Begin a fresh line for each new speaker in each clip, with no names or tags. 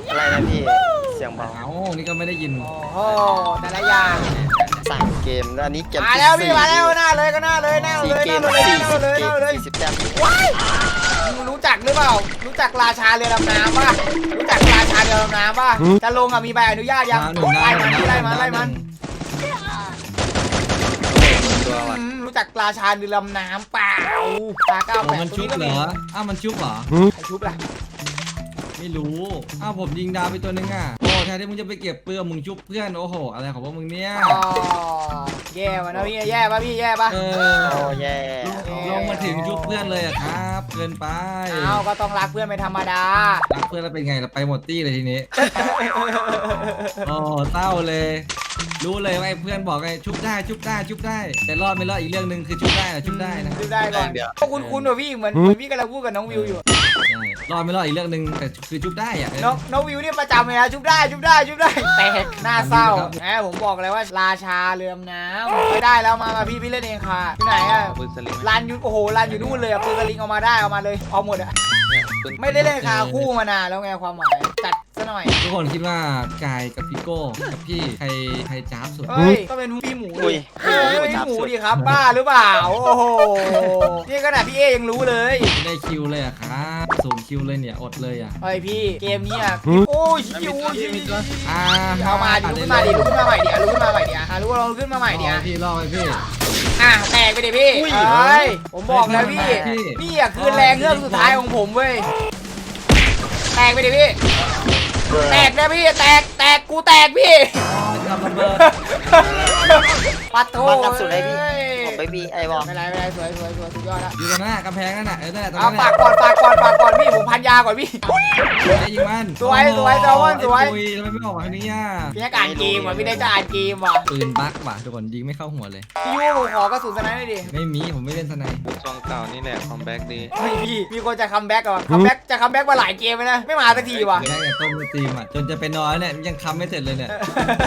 อะไรนะพี่เสียงเบา
เอ้านี่ก็ไม่ได้ยิน
โอ้โหแต่ละอย่าง
สั่งเกมแล้วอันนี้เกม
มาแล้วพี่มาแล้วหน้าเลยก็หน้าเลยหน้าเลยหน้าเลยหน้าเลยหน้าเลย
40 แต้ม
ว้ายมึงรู้จักหรือเปล่ารู้จักราชาเรือดำน้ำป่ะรู้จักราชาเรือดำน้ำป่ะจะลงมีใบอนุญาตยัง
มาหนึ่งได้
ไล่มันไล่มัน
ตัวว่ะ
รู้จักราชาเรือดำน้ำเปล่าตา
โอ้
98
มันชุบเหรออ้าวมันชุบเหรอ
ใครชุบล่ะ
ไม่รู้อ้าวผมยิงดาวไปตัวนึงอ่ะโอ้แทนที่มึงจะไปเก็บเปลือกมึงชุบเพื่อนโอ้โหอะไรของพวกมึงเนี่ย
อ๋อแย่ว่ะนะพี่แย่ป่ะพี่แย่ป่ะ
เอ
โอ้
อ
แย่
ลงมาถึงชุบเพื่อนเลยอะครับเกินไป
อ้าวก็ต้องรักเพื่อนเป็นธรรมดา
รักเพื่อนแล้วเป็นไงเราไปหมดตี้เลยทีนี้โอ้เต้าเลย รู้เลยว่าไอ้เพื่อนบอกไงชุบได้ชุบได้ชุบได้ แต่รอดไม่รอดอีกเรื่องหนึ่งคือชุบได้นะชุบได้นะ
ดูได้ก่อนก็คุ้นๆว่ะพี่เหมือนพี่กำลังพูดกับน้องวิวอยู่
ใช่รอดไม่รอดอีกเรื่องหนึ่งแต่คือชุบได้อะ
น้องวิวเนี่ยประจำเลยนะชุบได้ชุบได้ชุบได้แต่หน้าเศร้าแหมผมบอกเลยว่าราชาเรือมน้ำไม่ได้แล้วมาพี่เล่นเองค่ะที่ไหนอะ
ปืนสลิง
ลานอยู่โอ้โหลานอยู่นู่นเลยอะปืนสลิงเอามาได้เอามาเลยเอาหมดอะไม่ได้เล่นคาคู่มานานแล้วไงความหมายจัดซะหน่อย
ทุกคนคิดว่ากายกับพี่โก้กับพี่ใครจ้าบสุด
เฮ้ยก็เป็นพี่หมู
อุ้ย
พี่หมูดิครับบ้าหรือเปล่าโอ้โหนี่ขนาดพี่เอยังรู้เลย
ไม่ได้คิวเลยอะครับศูนย์คิวเลยเนี่ยอดเลยอะ
เฮ้ยพี่เกมนี้อะโอ้ยชิว
อ่า
เอามาดิลุกขึ้นมาดิลุกขึ้นมาใหม่ดิลุกขึ้นมาใหม่ดิลุกลองขึ้นมาใหม่ดิ
พี่รอไปพี่
แตกไปดิพี่เฮ้ยผมบอกแล้วพี่นี่อะคือแรงเงือกสุดท้ายของผมเว้ยแตกไปดิพี่แตกนะพี่แตกกูแตกพี่
อ๋อจะระเบิด
ปัดโถ
บังกับสุดเลยพี่ผมไปบีไอ้บอล
ไม่เป็นไรสวยสุดยอดแล้ว
อยู่ตรงนั้นกำแพงนั่นน่ะนั่นแหละตรง
เอา
นั้น
ฝากก่อนพี่ผมพันยาก่อนพี่
ได้ยิงมัน
สวยแซลมอนสวย
ทำไมไม่ออกมาทางนี้อ่ะ
พี่นักอ่านเกมว่ะพี่ได้จะอ่านเกมว่ะ
ปืนบั๊กว่ะทุกคนยิงไม่เข้าหัวเลย
พี่ยูผมขอกระสุนสไนด์หน่อยดิ
ไม่มีผมไม่เล่นสไนด์
ซองเก่านี่แหละคอมแบ็กดี
เฮ้ยพี่มีคนจะคัมแบ็กเหรอคัมแบ็กมาหลายเกมแล้วนะไม่มาสักทีว่ะ
ได้แต่ต้มตีมอ่ะจนจะไปนอนเนี่ยยังคำไม่เสร็จเลยเนี่ย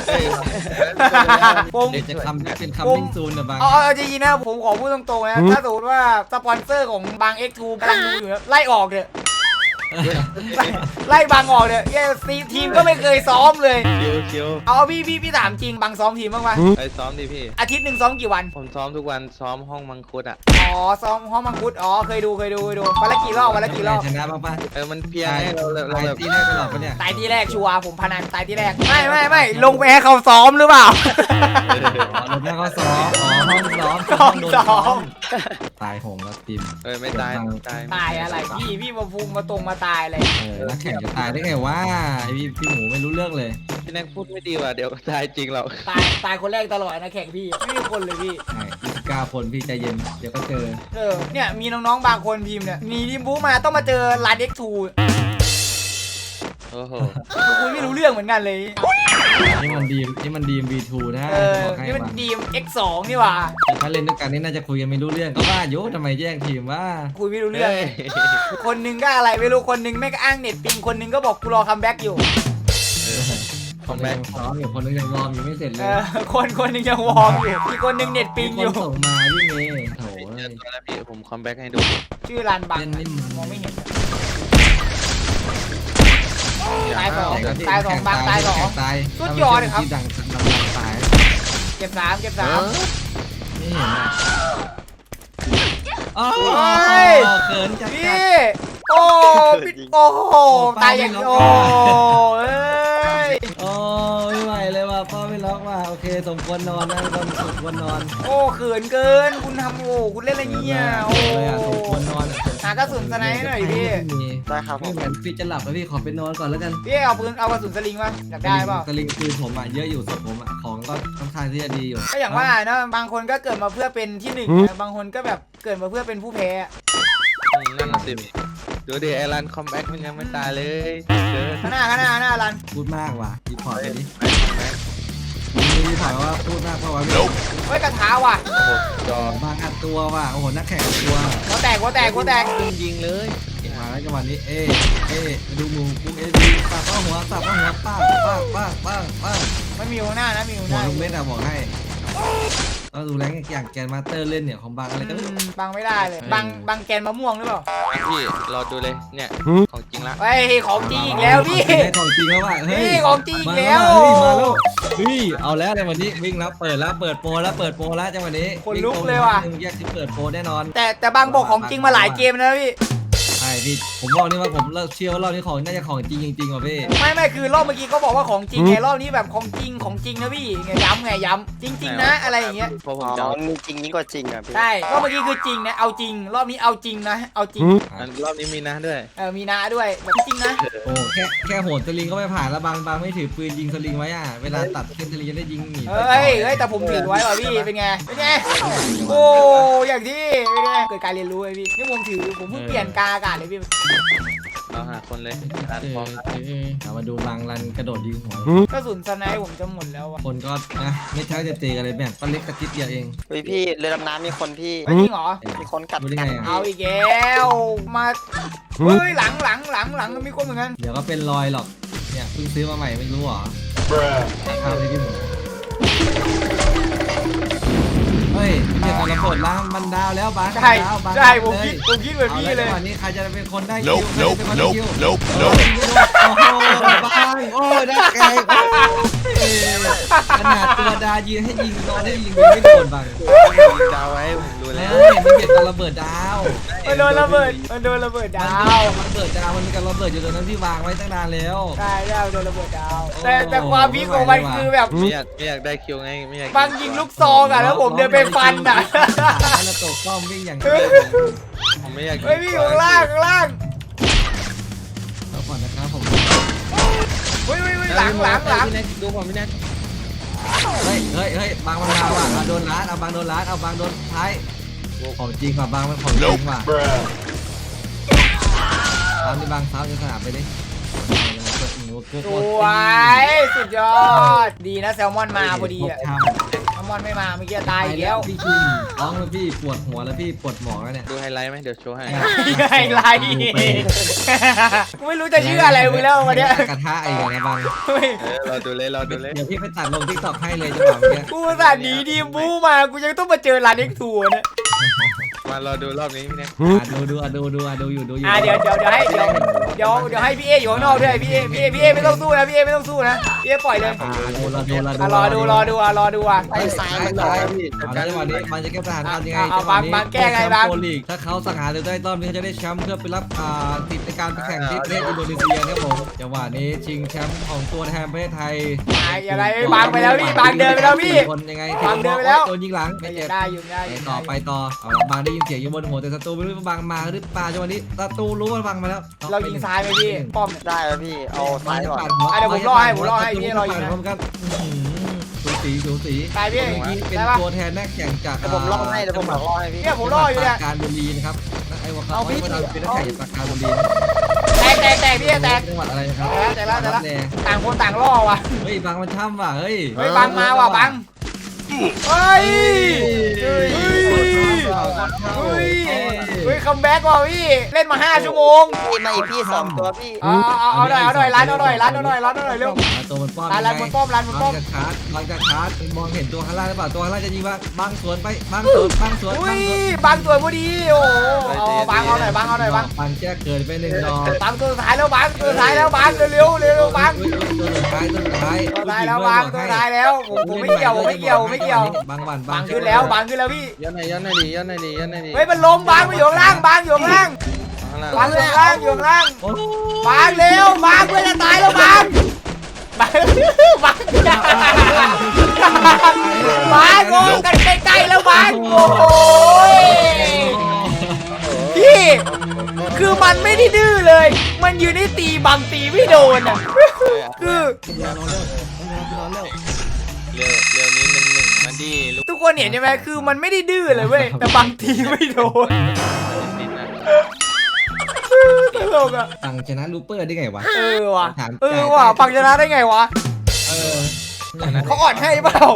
ผม
เดี๋ยวจะคำเป็นคัมมิ่งซูนนะบาง
เอาจริงๆนะผมขอพูดตรงๆนะถ้าสมมติว่าสปอนเซอร์ของบาง X2 กำลังดูอยู่นะไล่ออกเถอะไล่บางออกเถอะทีมก็ไม่เคยซ้อมเลย
คิว
เอาพี่ถามจริงบางซ้อมทีมบ้างปะ
ไปซ้อมดิพี่
อาทิตย์หนึ่งซ้อมกี่วัน
ผมซ้อมทุกวันซ้อมห้องมังคุดอ่ะ
อ๋อซ้อมห้องมังคุดอ๋อเคยดูวันละกี่รอบ
ชนะบ้างป่ะ
มันเพียงให้เรา
ตาย
แบบ
ตีแรกตลอดปะเนี่ย
ตายที่แรกชัวร์ผมพนันตายที่แรกไม่ลงไปให้เขาซ้อมหรือเปล่า
อ๋อลงแม่เขาซ้อมอ๋อห้องซ้อม
ห้องซ้อม
ตายโหงแล้วทีม
ไม่ตาย
ตายอะไรพี่มาพุงมาตายอะไร
นักแข่งจะตายได้ไงวะไอพี่หมูไม่รู้เรื่องเลย
พี่แน็กพูดไม่ดีว่ะเดี๋ยวตายจริงเรา
ตายคนแรกตลอดนะแข่งพี่ไม่มีคนเลยพี่
ใช่29 คนพี่ใจเย็นเดี๋ยวก็เจอ
เนี่ยมีน้องๆบางคนพิมพ์เนี่ยมีทีมบู๊มาต้องมาเจอร้าน X2
โอ้โห
คุยไม่รู้เรื่องเหมือนกันเลย
นี่มันดีม V2 นะบอกให้
นี่มัน
ว่า
ดีม X2 นี่หว่า
ถ้าเล่นด้วยกันนี่น่าจะคุยกันไม่รู้เรื่องก็ว่าโยทำไมแย่งทีมว่า
คุยไม่รู้เรื่องคนนึงก็อะไรไม่รู้คนนึงไม่ก็อ้างเน็ตปิงคนนึงก็บอกกูรอคัมแบ็กอยู่
คนนึงซ้อมอยู่คนนึงยังรอมอยู่ไม่เสร็จเลย
คนนึงยังวอร์มอยู่อีกคนนึงเน็ตปิงอยู่
ส่งมาพี่เมย์โถ
เจอตัวแล้วพี่ผมคอมแบ็กให้ดู
ชื่อร้านบัง
เล่นไม่มัน
มองไม่เห็นตายสองบังตายสอง
ตาย
สุดยอดเลยครับ
ดังตาย
เก็บสาม
ไม่เห็นอ่ะโอ้
ย
เขินจัด
พี่โอ้พี่โอ้โหตายอย่างโอ้เอ้ย
โอ้ไม่ไหวเลยว่ะพ่อไม่ล็อกว่ะโอเคสมควรนอนนะคนสมควรนอน
โอ้เขินเกินคุณทำโอ้คุณเล่นอะไรเนี่ยโอ้
เลยอ่ะสมควรนอน
หากระสุนสไนด์หน่อยพี่
ได้ครับผ
ไม่
ม
เหมือนพี่จะหลับแล้วพี่ขอไปนอนก่อนแล้วกัน
พี่เอากระสุนสลิงมาอยากได้เปล่า
สลิงปืนผมอ่ะเยอะอยู่ส่วนผมอ่ะของก็ค่อนข้างที่จะดีอยู่
ก็อย่างว่านะบางคนก็เกิดมาเพื่อเป็นที่หนึ่งนะบางคนก็แบบเกิดมาเพื่อเป็นผู้แพ้
นั่นสิดูดิไอรันคอมแบ็กมันยังไม่ตายเลยเกิน
ข้างหน้ารัน
พูดมากว่ะรีพอร์ตไปดิ
ไปคอมแบ็ก
มีรีพอร์ตว่าพูดมากเพราะว่าพี่
เฮ้ยกระถาว่ะ
โอ้โหจอบ
างอัดตัวว่ะโอ้โหนักแข่งอัดตัว
หัวแตก
ยิงเลย
มาแล้วจังหวะนี้เอ๊ดูมูปุ๊บดีสับเข้าหัวป้าป้า
มันมีหัวหน้านะมีหัวห
หัว
น้า
ลูกเม็ดอะบอกให้ก็ดูแรงอย่างแกนมาสเตอร์เล่นเนี่ยของบางอะไรก็ไม่รู้
บังไม่ได้เลยบังแกนมะม่วงหรือเปล่า
พี่รอดูเลยเนี่ยของจริงละ
เฮ้ยของจริงอีกแล้วพี่
ของจริงแล้วว่ะเฮ้ย
นี่ของจริงอีกแล้ว
มาแล้วเฮ้ยเอาแล้วในวันนี้วิ่งแล้วเปิดแล้วเปิดโปรแล้วเปิดโปรแล้วจังหวะนี้
คนลุกเลยว่ะ
แยกที่เปิดโปรแน่นอน
แต่บางบอกของจริงมาหลายเกมนะพี่
ใช่พี่ผมบอกนี่ว่าผมเชื่อว่ารอบนี้ของน่าจะของจริงจริงๆว่ะพี่
ไม่คือรอบเมื่อกี้เขาบอกว่าของจริงไงรอบนี้แบบของจริงนะพี่ไงย้ำจริง ๆ นะอะไรอย่างเงี้ย
เพราะผ
อ๋
ม
อ
จะเอา
มีจริงยิ่งกว่าจริงอ่ะพี่
ใช่รอบเมื่อกี้คือจริงนะเอาจริง รอบนี้เอาจริงนะเอาจริง
รอบนี้มีนะด้วย
มีนาด้วยแบบจริงนะ
โอ้แค่โหนสลิงก็ไม่ผ่านแล้วบางไม่ถือปืนยิงสลิงไว้อ่ะเวลาตัดเส้นสลิงจะได้ยิงหนี
เฮ้ยแต่ผมถือไว้ว่ะพี่เป็นไงโอ้อย่างที่เป็นไงเกิดการเรียนรู้ไอ้พี่นี่ผมเพิ่งเปลี่ยนกาอากาศเลยพี่
เราหาคนเลยร้านพร้อมแล้ว
เอามาดูบางรันกระโดดยิงหัว
กระสุนสไนป์ผมจะหมดแล้วว่ะ
คนก็นะไม่ใช่จะเจอกันเลยแบบก็เล็กกระติดเดียวเอง
เฮ้ยพี่เรือดำน้ำมีคนพี่
จริงเหรอ
มีคนกัด
รู้ได้
กั
ไง
น
อ่ะ
เอาอีกแล้วมาเฮ้ยหลังมีคนเหมือนกัน
เดี๋ยวก็เป็นรอยหรอกเนี่ยเพิ่งซื้อมาใหม่ไม่รู้เหรอข้าวเลยพี่หมูเฮ้ยเนี่ยตอนระเบิดล้างมันดาวแล้วบาง
ใช่
ดาวบาง
ใช่
ดาว
ผมคิดเหมือนพี่เลย
อาแวจังหวะนี้ใครจะเป็นคนได้คิวใครจะเป็นคนได้คิวโอ้โหบางโอ้ยได้ไกลขนาดตัวดายืนให้ยิงตอนให้ยิงไม่โดนบาง
ยิงดาวไว้ผมรู้แล้ว
เฮ้ยมันเก็บตอนระเบิดดาว
มันโดนระเบิดดาว
มันเบิดดาวมันมีการระเบิดอยู่ตรงนั้นที่วางไว้ตั้งนานแล้ว
ใช่โดนระเบิดดาว แต่ความพีคของมันคือแบบ
ไม่อยากได้คิวไงไม่อยาก
บางยิงลูกซองอ่ะแล้วผมเดินไปฟันอ่ะ
แล้วตกป้อมวิ่งอย่าง
ผมไม่อยาก
เฮ้ยพี่อยู่ข้างล่าง
แล้วก่อนนะครับผม
เฮ้ยหลัง
พี่แน็กดูผมพี่แน็ก
เฮ้ยบางมันมาว่ะเอาโดนร้านเอาบางโดนร้านเอาบางโดนท้ายของจริงว่ะบางมันของจริงว่ะตามที่บางเท้าจะสนามไปดิ
สวยสุดยอดดีนะแซลมอนมาพอดีอ่ะแซลมอนไม่มาเมื่อกี้ตายอีกแล้ว
พี่คิงร้องแล้วพี่ปวดหัวแล้วพี่ปวดหมอแล้วเนี่ย
ดูไฮไลท์ไหมเดี๋ยวโชว์ให้
ไฮไลท์กูไม่รู้จะชื่ออะไรมึงแล้ววันเนี้ย
กระทะไอ้เนี่ยบาง
รอดูเลย
เดี๋ยวพี่ไปตัดลงทิกตอกให้เลยจังหวะเนี้ย
กูสัตว์หนีดีบู๊มากูยังต้องมาเจอร้านเอ็กทัวร์เนี่ย
มารอดูรอบนี้พี่แน็ก
ดูอยู่
เดี๋ยวให้พี่เออยู่ข้างนอกด้วยพี่เอไม่ต้องสู้นะพี่เอไม่ต้องสู้นะพี่เอปล่อยเลย รอดูอ่ะ
ไอ้ซ้ายมันหล
ซ้า
อย ย
พี่จังหวะนี้มันจะแก้ปัญหายังไง
เอาบางแก้ไงบาง
โปรลีกถ้าเขาสังหารหรือได้รอบนี้เขาจะได้แชมป์เพื่อไปรับติดในการไปแข่งที่ประเทศอินโดนีเซียครับผมจังหวะนี้ชิงแชมป์ของตัวแทนประเทศไทย
อะไรบางไปแล้วพี่บางเดินไปแล้วพี่
คนยังไง
บางเดินไปแล้ว
โดนยิงหลังไม่เจ็บ
ได้อยู่
ไปต่อเอาละบางได้ยินเสียงอยู่บนหัวแต่ศัตรูไม่รู้ว่าบางมาหรือเปล่าจังหวะนี้ศัตรูรู้ว่าบางมาแล้ว
เรายิงซ้ายไหมพี่ป้อม
ได้แล้วพี่เอาซ้ายก่อน
เดี๋ยวผมรอให้พี่รอยิงนะ
พร้อมกันสูสี
ตายพี่
เมื่อกี้เป็น
ได้ปะ
ตัวแทนนักแข่งจาก
เดี๋ยวผมล่อให้พี่
เนี่ยผมรออยู่เนี่ย
การบุรีนะครับไอ้วะเขาไม่ได้เป็นนักแข่งจากการบุรี
แตกพี่แตก
จังหวัดอะไรนะครับ
แต่ละต่างคนต่างล่อว่ะ
เฮ้ยบางมันช่ำว่ะเฮ้ย
บางมาว่ะบางเฮ้ยคัมแบ็กว่ะพี่เล่นมา5 ชั่วโมง
พี่มาอีกพี่2ตัวพี่
เอาหน่อยร้านหน่อยเร็ว
ตัวมันป้อม
ร้านบนป้อม
บางจะชาร์จมองเห็นตัวข้างล่างหรือเปล่าตัวข้างล่างจะยิงว่าบางสวนไปบางสวน
อุ้ยบางตัวพอดีโอ้บางเอาหน่อยบาง
บางแจ้เกินไป1 ดอก
บางตัวสุดท้ายแล้วบางเร็วบาง
ตัวสุดท้าย
แล้วบางตัวท้ายแล้วผมไม่เกี่ยว
บางวัน
บางขึ้นแล้วพี่
ย้อนหน่อยดิ
เฮ้ยมันล้มบางไปอยู่ข้างล่างบางอยู่ข้างล่างบางเร็วบางเพื่อนจะตายแล้วบางโง่กันใกล้ๆแล้วบางโอ้ยพี่คือมันไม่ได้ดื้อเลยมันยืนให้ตีบางตีไม่โดนอ่ะคือ
เร็วนี้1-1มาดิลูก
ทุกคนเห็นใช่ไหมคือมันไม่ได้ดื้อเลยเว้ยแต่บางทีไม่โดนตลกอ่ะ
สั่งชนะลูเปอร์ได้ไงวะ
ว่ะปังชนะได้ไงวะ เขาอ่อนให้เปล่า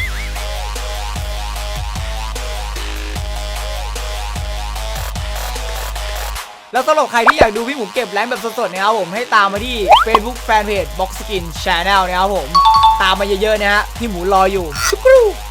แล้วสำหรับใครที่อยากดูพี่หมูเก็บแรงแบบสดๆนะครับผมให้ตามมาที่ Facebook Fanpage Box Skin Channel นะครับผมตามมาเยอะๆนะฮะพี่หมูรออยู่